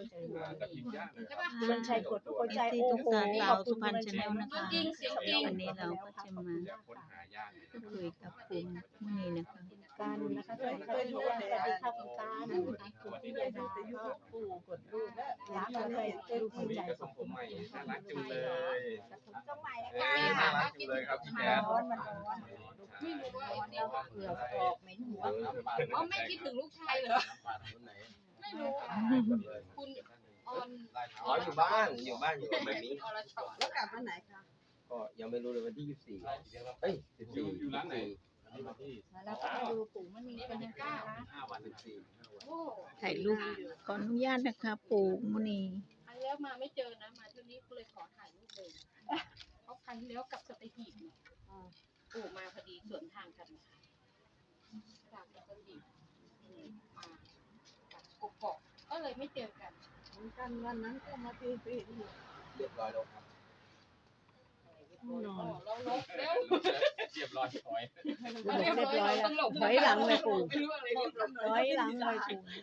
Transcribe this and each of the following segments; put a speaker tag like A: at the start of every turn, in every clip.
A: คุณวันชัยกดหัวใจโอ้โหขอบคุณคุณวันชัยนะคะ
B: วันนี้เราก็จะมาคุยกับคุณนี่นะคะ
A: กันนะคะสวัสดีค่ะคุณย่าสวัสดีค่ะคุณตานะคะคุณพี่ยาดาก็ปู่กดรูปรักเลยรูปหัวใจขอบคุณมาก
C: น่ารักจังเลย
D: สมัย
C: น่ารักจังเลยครับพี่แจ๊ด
A: ร้อนมันร้อน
D: ไม่รู้ว่า
A: ร้อนแล้วก็เปลือกออกเหม็นหัว
D: อ๋อไม่คิดถึงลูกชายเหรอไม่รู้คุณออน
C: อ๋ออยู่บ้านอยู่กับแบบนี้
D: อรชร
E: แล้วกลับวันไหนคะ
C: ก็ยังไม่รู้เลยวันที่24เอ้ย14อยู่ร้านไหน
A: แล้วก็มาดูปู่มันมีกันยังกล้า
C: 5 วัน
D: โอ้
B: ถ่ายรูปขออนุญาตนะคะ ปู่มุนี
D: อันแล้วมาไม่เจอนะมาเที่ยวนี้ก็เลยขอถ่ายรูปเลยเขาครั้งที่แล้วกับสตีหีบปู่มาพอดีสวนทางกันจากสตีหีบมาจากกกอกก็เลยไม่เจอกัน
E: เหมือนกันวันนั้นก็มาตีปีนอยู่
C: เรียบร้อยแล้วครับ
A: นอน
D: เราลบแล้ว
C: เรียบร้อยถอย
A: เรียบร้อยแล้วถอยหลังเลยปู่
D: ไม่รู้อะไรเรียบร้อย
A: ถอยหลังเลย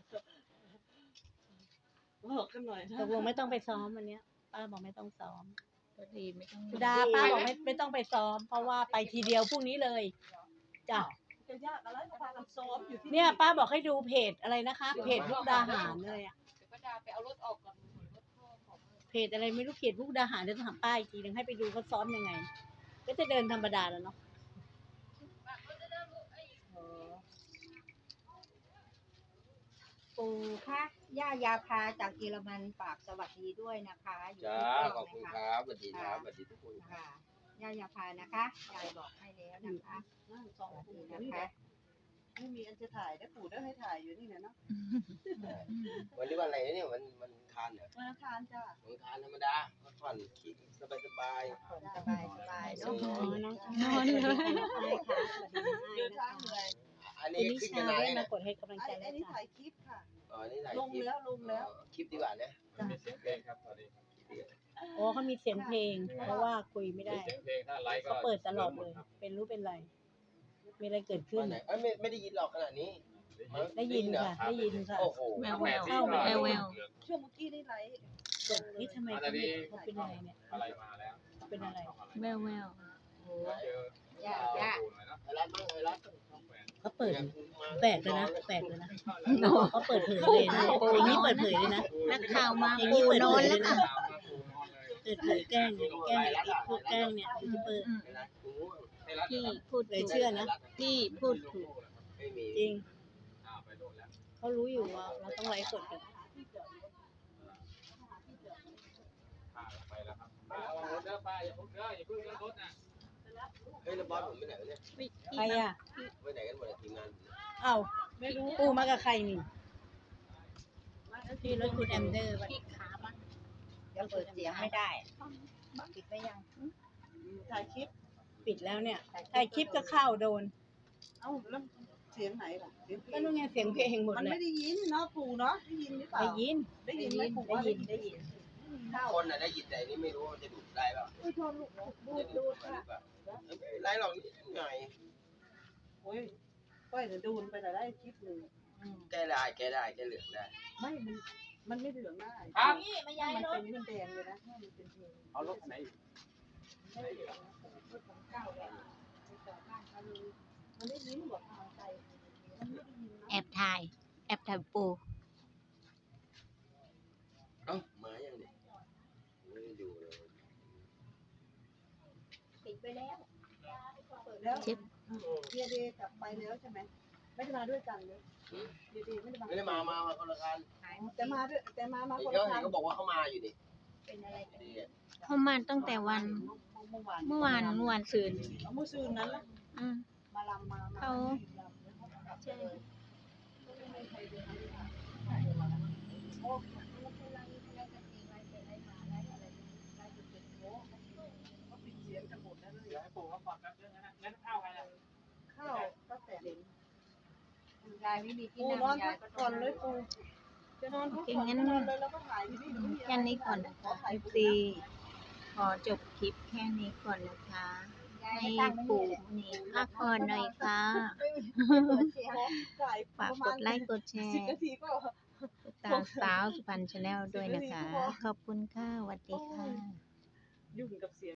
A: ปู่
E: บอกกันหน่อย
A: ตกลงไม่ต้องไปซ้อมวันเนี้ยป้าบอกไม่ต้องซ้อม
B: ก็ดีไม่ต้อง
A: สุดาป้าบอกไม่ต้องไปซ้อม เพราะว่าไปทีเดียวพรุ่งนี้เลยจ้ะ
E: จะยากอะไรก็พากันซ้อมอยู่ที่
A: เนี่ยป้าบอกให้ดูเพจอะไรนะคะ เพจมุกดาหารเลยอะ
D: เดี๋ยวป้าดาไปเอารถออกก่อนรถพ่อของ
A: เพจอะไรไม่รู้เพจมุกดาหารเดี๋ยวต้องถามป้าอีกทีนึงให้ไปดูเขาซ้อมยังไง ก็จะเดินธรรมดาแล้วเนาะ
F: ปู่คะย่ายาพาจากเยอรมันฝากสวัสดีด้วยนะคะอยู่
C: จ้า
F: ที่
C: ขอบคุณครับสวัสดีครับสวัสดีทุกคน
F: ค่ะย่ายาพานะคะยายบอกให้แล้วนะคะ
E: นั่งส
F: ส
E: อง
F: วัส
E: ปู่
F: ดี
E: นี่
F: นะ
E: แห
F: คะ
E: ละไม่มีอันจะถ่ายได้ปู่ได้ให้ถ่ายอยู่นี่แหละเนาะ
C: วันนี้วันอะไรเนี่ยมันทานเหรอ
E: วันอังคารจ้า
C: วันทานธรรมดาพักผ่อนคิดสบาย
F: สบายสบายเนาะ
A: อ๋อน้องนอนเลยค่ะสวัสดีน้องไอ
E: เดิน
A: นะ
E: ทาง
A: คะ
E: เหนื่อย
C: ๆอัน
A: คุ
C: นี้
A: ณนิ
C: ขึ้น
A: ชา
C: กันนาน
A: ได้
C: แล้ว
A: มา
C: นะ
A: กดให้กำลังใจ
E: ไอ้
A: แล้ว
E: นี่
A: จ้ะ
E: ถ่ายคลิปค่ะ
C: อ๋อนี่ถ่าย
E: ลง
C: คลิป
E: แล้วลงแล้ว
C: คลิปดีกว่านะ
G: มีเสียงเพลงครับตอนนี้
A: โอ้เขามีเสียงเพลง เพราะว่าคุยไม่ได้
G: มีเสียงเพลงถ้าไลฟ์ก็
A: เขาเปิดตลอดเลย เป็นรู้เป็นไร มีอะไรเกิดขึ้
C: วัน นไหนเอ้ยไม่ได้ยินหรอกขนาดนี้
A: ได้ยินค่ะ ได้ยินค่ะ
C: โอ้โห
B: แววแววแววแวว
E: ช่วงเมื่อกี้นี่ไลฟ์
A: นี่ทำไมเขาเป็นอะไรเนี่ย
G: อะไรมาแล้ว
A: เขาเป็นอะไร
B: แววแวว
A: โอ้
G: เจอ
F: ย่าย่า
C: ไอ้รัฐบ้างไอ้รัฐ
A: เขาเปิดแปลกเลยนะแปลกเลยนะเขาเปิดเผยเลยนะอย่างนี้เปิดเผยเลยนะ
B: นักข่าวมา
A: อย่างนี้
B: ปู่
A: เปิด
B: นอ
A: เผ
B: น
A: ยเล
B: แล้ว
A: ย
B: ค่ะ
A: นะเปิดเผยแกล้งพวกแกล้งเนี่ยยูทูบเบอร์
C: ไอ้รัฐกูง่วง
B: พี่พูด
A: เลย
B: ถูก
A: เชื่อนะ
B: พี่พูดถูก
C: ไม่มี
A: จริง
G: ไปโดนแล้ว
A: เขารู้อยู่ว่าเราต้องไลฟ์สดกัน
G: ไปแล้วครับป้าเอารถเด้อป้าอย่าพึ่งเด้ออย่าพึ่งเด้อรถนะ
C: เฮ้ยแล้วบอสผมไปไหนวะเนี่ย
B: พี่
A: ใครอ่ะ
C: ไปไหนกันหมดอะทีมงาน
A: เอ้าไม่รู้ปูมากับใครนี่พี่รถคุณแอมเดอร์ป่ะ
B: พี่ขามา
F: เดี๋ยวเปิดเสียงไม่ได้ปิดไม่ยัง
E: ถ่ายคลิป
A: ปิดแล้วเนี่ยถ่ายคลิปก็เข้าโดน
E: เอ้าแล้วเสียงไหนล่ะเสียงเพล
A: ก็
E: ง
A: นู่นไงเสียงเพลงหมด
E: มัน
A: เลย
E: ไม่ได้ยินเนาะปู่เนาะได้ยินหรือเปล่า
A: ได้ยิน
E: ได้ยินไหมปู่
A: ได้
E: ว่า
A: ยินได้ยิน
C: คนน่ะได้ยินแต่นี่ไม่รู้ว่าจะดูดได้เปล่า
E: ไม่ชอบลูกดูดค่ะ
C: ไม่เป็นไรหรอกนิดหน่อย
E: โอ้ยก้อยเดี๋ยวดูนไปแต่ได้คลิปหนึ่ง
C: แก้ได้แก้เหลืองได้
E: ไม่มันไม่เหลืองได้
G: ครับ
F: นี่ไม่ย้าย
E: มัน
F: ร
E: เป็
F: ถ
E: นมันแดงเลยนะถ้ามันเป็นเพลง
G: เอารถไหนอีก
E: มันได้ยินกว่าทางไกลมันไม่ได้ยินนะ
B: แอบถ่ายแอบถ่ายปู่
C: เอ้ามายังเนี่ยไม่ได้ดูเลย
F: ปิดไปแล้ว
E: แล้ว
B: เช็ด
E: เดียเดย์กลับไปแล้วใช่ไหมไม่ได้มาด้วยกันเลยเดียเดย์ไม่ได้มา
C: ไม่ได้มาคนละกัน
F: หาย
E: แต่มาด้วยแต่มาคน
C: เดี๋ยว
E: ละ
C: เห็
E: กัน น
C: ก็บอกว่าเขามาอยู่นี่
F: เป็นอะไรกัน
C: ดี
B: เขามาตั้งแต่วัน
E: เมื่อวาน
B: เมื่อวานซืน
E: เมื่อคืนนั้นนะ
B: อืม
E: มาลำมา
B: เขา
E: ใช่
F: โอ้ไม่เป็นไรไม่เป็นไรกันเองไรเป็นไรมาไรอะไรไรจุดจุดโอ้
E: เขาปิดเสียงกันหมดแล้วเลย
G: เดี๋ยวให้ปู่เขาฟังแป๊บนึงนะงั้นข้าวใครล่ะ
E: ข้าวก็แต่เด่น
F: ยายไม่มีที่
E: ปู
F: นั่ง
E: นอน
F: ยา
E: พั
F: ย
E: ก
F: ก็
E: ก่อนเลยปูจะนอนพักก่อนนอนเลยแล้วก็ถ่ายที่นี่
B: แค่นี้ก่อนนะคะซีขอจบคลิปแค่นี้ก่อนนะคะ
F: ยาย
B: ให้
F: ไม่ตั้งไม่มี
B: ปู่
F: เลย
B: นี่พักผ่อนหน่อยค่ะ
E: ถ่าย
B: ฝากกดไลค์กดแช
E: 10
B: ร์
E: นาทีก็
B: ตาสาวสุพรรณชาแนลด้วยนะคะ ขอบคุณค่ะสวัสดีค่ะ
A: ยุ่งกับเสียง